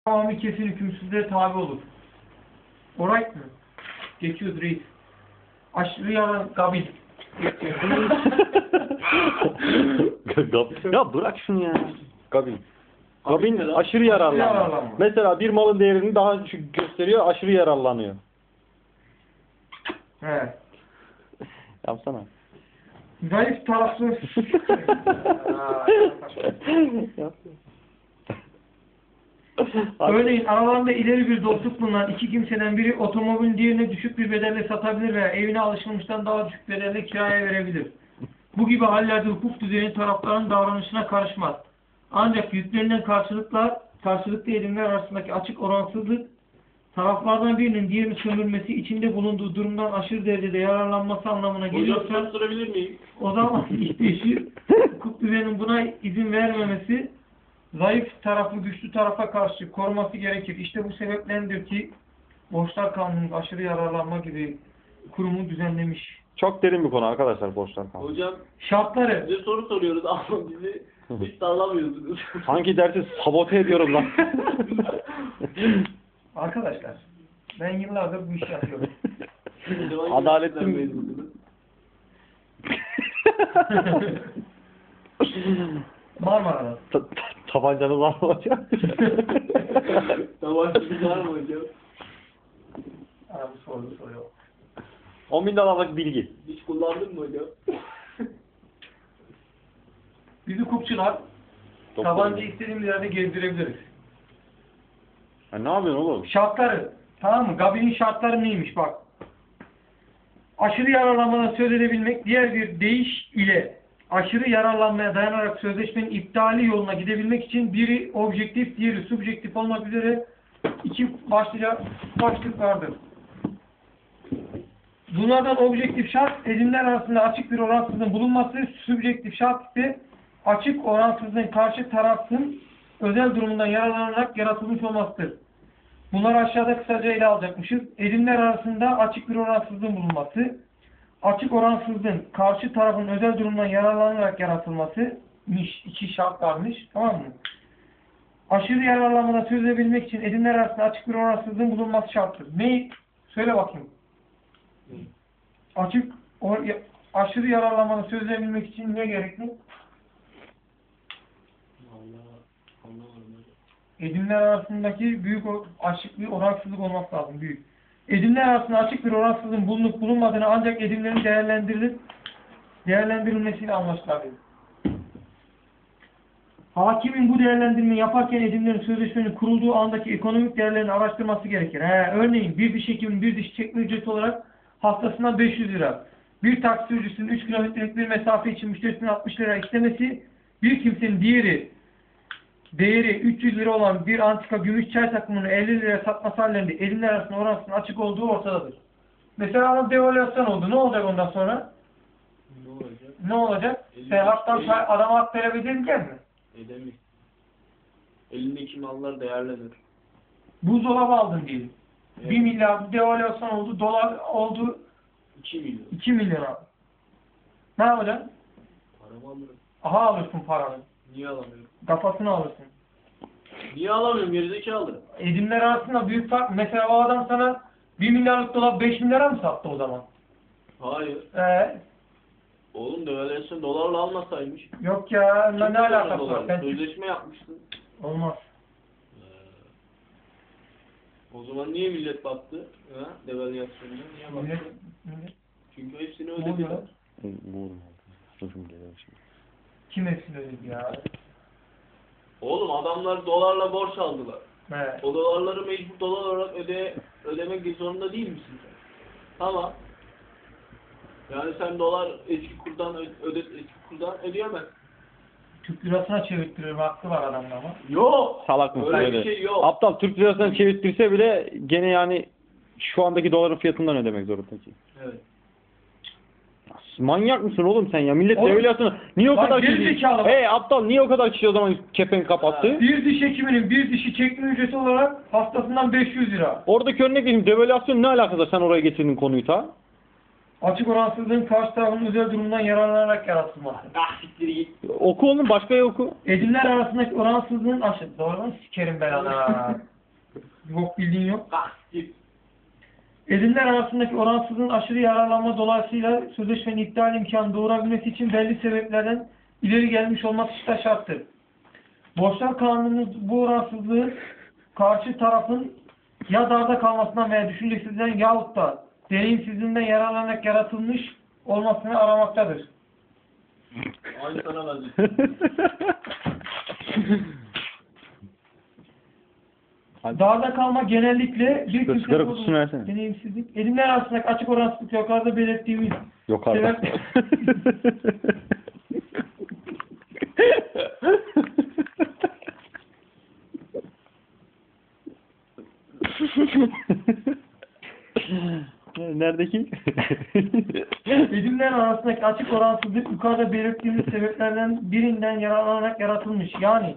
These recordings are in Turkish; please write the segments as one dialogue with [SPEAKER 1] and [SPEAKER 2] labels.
[SPEAKER 1] Tamamı kesin hükümsüzlüğe tabi olur. Alright mı? Geçiyoruz reis. Aşırı yalan gabil.
[SPEAKER 2] Ya bırak şunu ya. Gabin. Gabin aşırı yararlanma. Mesela bir malın değerini daha düşük gösteriyor, aşırı yararlanıyor.
[SPEAKER 1] He.
[SPEAKER 2] Yapsana.
[SPEAKER 1] Zayıf taraflı. Örneğin aralarında ileri bir dostluk bulunan iki kimseden biri otomobilin diğerine düşük bir bedelle satabilir veya evine alışılmıştan daha düşük bedelle kiraya verebilir. Bu gibi hallerde hukuk düzeni tarafların davranışına karışmaz. Ancak yüklerinden karşılıklı edimler arasındaki açık oransızlık taraflardan birinin diğerini sömürmesi, içinde bulunduğu durumdan aşırı derecede yararlanması anlamına geliyorsa o zaman işleşir. Hukuk düzeninin buna izin vermemesi zayıf tarafı güçlü tarafa karşı koruması gerekir. İşte bu sebeplendir ki Borçlar Kanunu'nun aşırı yararlanma gibi kurumu düzenlemiş.
[SPEAKER 2] Çok derin bir konu arkadaşlar borçlar kanunu.
[SPEAKER 3] Hocam
[SPEAKER 1] Şartları.
[SPEAKER 3] bize soru soruyoruz ama bizi hiç sağlamıyorsunuz.
[SPEAKER 2] Hangi dersi sabote ediyorum lan?
[SPEAKER 1] Arkadaşlar ben yıllardır bu işi yapıyorum.
[SPEAKER 2] Adaletli mi?
[SPEAKER 1] Marmara'da.
[SPEAKER 2] Tabancanız var mı hocam?
[SPEAKER 3] Tabancamız var mı hocam?
[SPEAKER 1] Bu soruyor.
[SPEAKER 2] 10.000 dolarlık bilgi.
[SPEAKER 3] Hiç kullandın mı hocam?
[SPEAKER 1] Biz hukukçular tabanca istediğimiz yerde gezdirebiliriz.
[SPEAKER 2] Ya ne yapıyorsun oğlum?
[SPEAKER 1] Şartları. Tamam mı? Gabinin şartları neymiş bak. Aşırı yararlanmadan söz edebilmek, diğer bir deyiş ile aşırı yararlanmaya dayanarak sözleşmenin iptali yoluna gidebilmek için biri objektif, diğeri subjektif olmak üzere iki başlık vardır. Bunlardan objektif şart, edimler arasında açık bir oransızlığın bulunması, subjektif şart ise açık oransızlığın karşı tarafın özel durumundan yararlanarak yaratılmış olmasıdır. Bunları aşağıda kısaca ele alacakmışız. Edimler arasında açık bir oransızlığın bulunması, açık oransızlığın karşı tarafın özel durumundan yararlanarak yaratılması, iki şart varmış, tamam mı? Aşırı yararlanmadan söz edebilmek için edimler arasında açık bir oransızlığın bulunması şarttır. Ne? Söyle bakayım. Aşırı yararlanmadan söz edebilmek için ne gerekli? Edimler arasındaki büyük açık bir oransızlık olması lazım. Büyük. Edimler arasında açık bir oransızlığın bulunup bulunmadığını ancak edimlerin değerlendirilmesiyle anlaşılabilir. Hakimin bu değerlendirmeyi yaparken edimlerin sözleşmenin kurulduğu andaki ekonomik değerlerini araştırması gerekir. Örneğin bir diş hekiminin bir diş çekme ücreti olarak haftasından 500 lira. Bir taksi sürücüsünün 3 kilometrelik bir mesafe için müşterisine 60 lira istemesi, bir kimsenin değeri 300 lira olan bir antika gümüş çay takımını 50 liraya satması hallerinde edimler arasında oransızlığın açık olduğu ortadadır. Mesela adam devalüasyon oldu. Ne olacak ondan sonra? Ne olacak? Sen adama hak verebilecek mi?
[SPEAKER 3] Edemez. Elindeki mallar değerlenir.
[SPEAKER 1] Buzdolabı aldın diyelim. Evet. 1 milyar devalüasyon oldu. Dolar oldu
[SPEAKER 3] 2 milyon.
[SPEAKER 1] 2 milyon abi. Ne yapacaksın?
[SPEAKER 3] Paramı alırım.
[SPEAKER 1] Aha alırsın paranı.
[SPEAKER 3] Niye alamıyorum?
[SPEAKER 1] Kafasını alırsın.
[SPEAKER 3] Niye alamıyorum? Gerizekalı.
[SPEAKER 1] Edimler arasında büyük fark. Mesela o adam sana 1 milyarlık dolar 5 milyara mı sattı o zaman?
[SPEAKER 3] Hayır. Oğlum devalüasyon dolarla almasaymış.
[SPEAKER 1] Yok ya. Ne alakası var? Sen
[SPEAKER 3] sözleşme yapmıştın.
[SPEAKER 1] Olmaz.
[SPEAKER 3] O zaman niye millet battı? Devalüasyonda niye battı? Çünkü hepsini ödediler.
[SPEAKER 1] Kim hepsini ödedi ya?
[SPEAKER 3] Oğlum adamlar dolarla borç aldılar.
[SPEAKER 1] Evet.
[SPEAKER 3] O dolarları mecbur dolar olarak ödemek zorunda değil misin sen? Tamam. Yani sen dolar eski kurdan ödeyemez.
[SPEAKER 1] Türk lirasına çevirttirir hakkı var adamda ama.
[SPEAKER 3] Yok.
[SPEAKER 2] Salak mısın
[SPEAKER 3] öyle
[SPEAKER 2] öyle?
[SPEAKER 3] Bir şey yok.
[SPEAKER 2] Aptal Türk lirasından çevirtirse bile gene yani şu andaki doların fiyatından ödemek zorunda ki.
[SPEAKER 3] Evet.
[SPEAKER 2] Manyak mısın oğlum sen ya? Millet devalüasyonu niye o kadar kişi? Aptal niye o kadar kişi o zaman kepenk kapattı?
[SPEAKER 1] Bir diş hekiminin bir dişi çekme ücreti olarak haftasından 500 lira.
[SPEAKER 2] Oradaki örnek vereyim. Devalüasyon ne alakası? Sen oraya getirdin konuyu ta.
[SPEAKER 1] Açık oransızlığın karşı tarafının özel durumundan yararlanarak yaratılması.
[SPEAKER 3] Siktir git.
[SPEAKER 2] Oku oğlum başka oku.
[SPEAKER 1] Edimler arasındaki oransızlığın aşırı. Doğru mu? Sikerim ben ana. Bildiğin yok.
[SPEAKER 3] Kalk git.
[SPEAKER 1] Edinler arasındaki oransızlığın aşırı yararlanma dolayısıyla sözleşmenin iptal imkanı doğurabilmesi için belli sebeplerden ileri gelmiş olması da şarttır. Borçlar Kanunu'nun bu oransızlığı karşı tarafın ya darda kalmasından veya düşüncesizliğinden yahut da deneyimsizliğinden yararlanarak yaratılmış olmasını aramaktadır.
[SPEAKER 3] Aynı sana benziyor.
[SPEAKER 1] Darda kalma genellikle bir
[SPEAKER 2] Sigara
[SPEAKER 1] kimsenin
[SPEAKER 2] kutusunu versene.
[SPEAKER 1] deneyimsizlik, edinler arasındaki açık oransızlık yukarıda belirttiğimiz
[SPEAKER 2] Yok artık. Neredeki?
[SPEAKER 1] edinler arasındaki açık oransızlık yukarıda belirttiğimiz sebeplerden birinden yararlanarak yaratılmış. Yani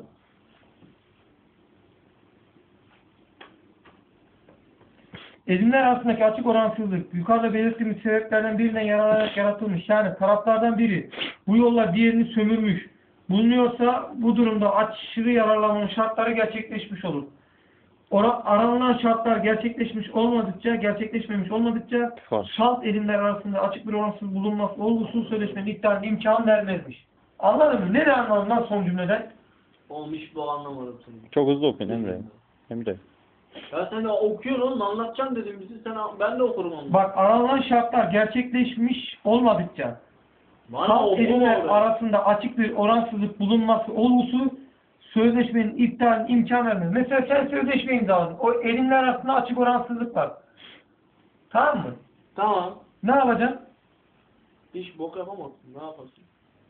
[SPEAKER 1] edinler arasındaki açık oransızlık yukarıda belirttiğimiz sebeplerden birinden yararlanarak yaratılmış. Yani taraflardan biri bu yolla diğerini sömürmüş bulunuyorsa bu durumda aşırı yararlanmanın şartları gerçekleşmiş olur. Aranılan şartlar gerçekleşmemiş olmadıkça şart edinler arasında açık bir oransız bulunması olgusuz sözleşmenin iptaline imkan vermezmiş. Anladın mı? Ne anladın lan son cümleden?
[SPEAKER 3] Olmuş bu anlamadım seni.
[SPEAKER 2] Çok hızlı okuyun Emre. Emre.
[SPEAKER 3] Ya sen de okuyorsun oğlum anlatacaksın dedim bizi ben de okurum onu.
[SPEAKER 1] Bak aranılan şartlar gerçekleşmiş olmadıkça
[SPEAKER 3] Bana
[SPEAKER 1] şart
[SPEAKER 3] okuma
[SPEAKER 1] edinler
[SPEAKER 3] orada.
[SPEAKER 1] arasında açık bir oransızlık bulunması olgusu sözleşmenin iptaline imkan vermez. Mesela sen sözleşme imzaladın. O edinler arasında açık oransızlık var. Tamam mı?
[SPEAKER 3] Tamam.
[SPEAKER 1] Ne yapacaksın?
[SPEAKER 3] Hiç bok yapamazsın. Ne yaparsın?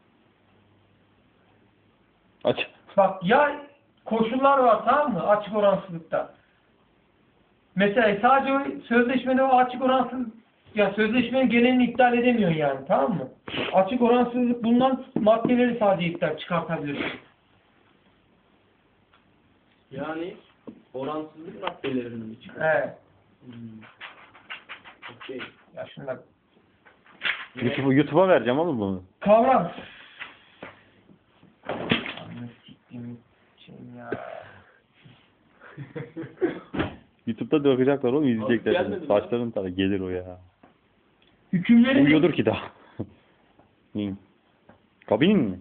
[SPEAKER 2] Aç.
[SPEAKER 1] Bak ya koşullar var tamam mı? Açık oransızlıkta. Mesela sadece o sözleşmede o açık oransız ya sözleşmenin genelini iptal edemiyorsun yani tamam mı? Açık oransızlık bulunan maddeleri sadece iptal çıkartabilirsin.
[SPEAKER 3] Yani oransızlık maddelerini mi çıkar?
[SPEAKER 1] Evet.
[SPEAKER 3] Okey.
[SPEAKER 1] Ya şunlar
[SPEAKER 2] YouTube'a vereceğim oğlum bunu.
[SPEAKER 1] kavram. Anne siktiğim için ya.
[SPEAKER 2] YouTube'da dökecekler oğlum izleyecekler.
[SPEAKER 3] gelmedi mi?
[SPEAKER 2] Saçların tadı gelir o ya.
[SPEAKER 1] Hükümlerin
[SPEAKER 2] Uyuyordur ki daha. Neyin? Kabinin mi?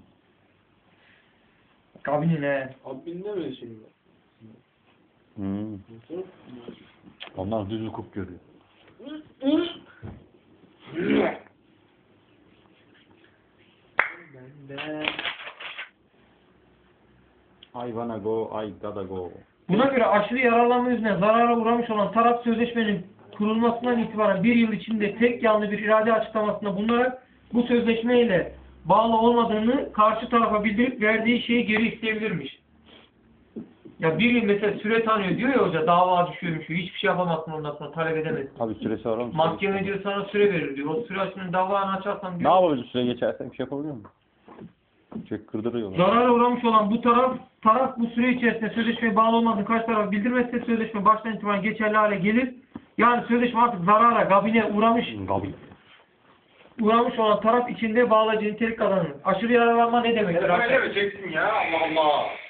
[SPEAKER 1] kabinine.
[SPEAKER 3] Abi benim de böyle şey var.
[SPEAKER 2] Hmm.
[SPEAKER 3] Nasıl?
[SPEAKER 2] Onlar düz hukuk görüyor. I wanna go, I gotta go.
[SPEAKER 1] Buna göre aşırı yararlanma yüzünden zarara uğramış olan taraf sözleşmenin kurulmasından itibaren bir yıl içinde tek yanlı bir irade açıklamasında bulunarak bu sözleşmeyle bağlı olmadığını karşı tarafa bildirip verdiği şeyi geri isteyebilirmiş. Ya bir yıl mesela süre tanıyor diyor ya hoca dava düşüyormuş hiçbir şey yapamazsın ondan sonra talep edemezsin.
[SPEAKER 2] Abi süresi var oğlum.
[SPEAKER 1] Mahkeme diyor sana süre verir diyor. O süre açısından davanı açarsan
[SPEAKER 2] Ne
[SPEAKER 1] diyor.
[SPEAKER 2] yapabilir süre geçersen bir şey yapabiliyor musun? Çok kırdırıyorlar.
[SPEAKER 1] Zarara uğramış olan bu taraf bu süre içerisinde sözleşmeye bağlı olmadığını karşı tarafa bildirmezse sözleşme baştan itibaren geçerli hale gelir. Yani sözleşme artık zarara, gabine uğramış olan taraf içinde bağlayıcı nitelik kazanır. Aşırı yararlanma ne demektir?
[SPEAKER 4] Öyle mi çeksin ya Allah Allah.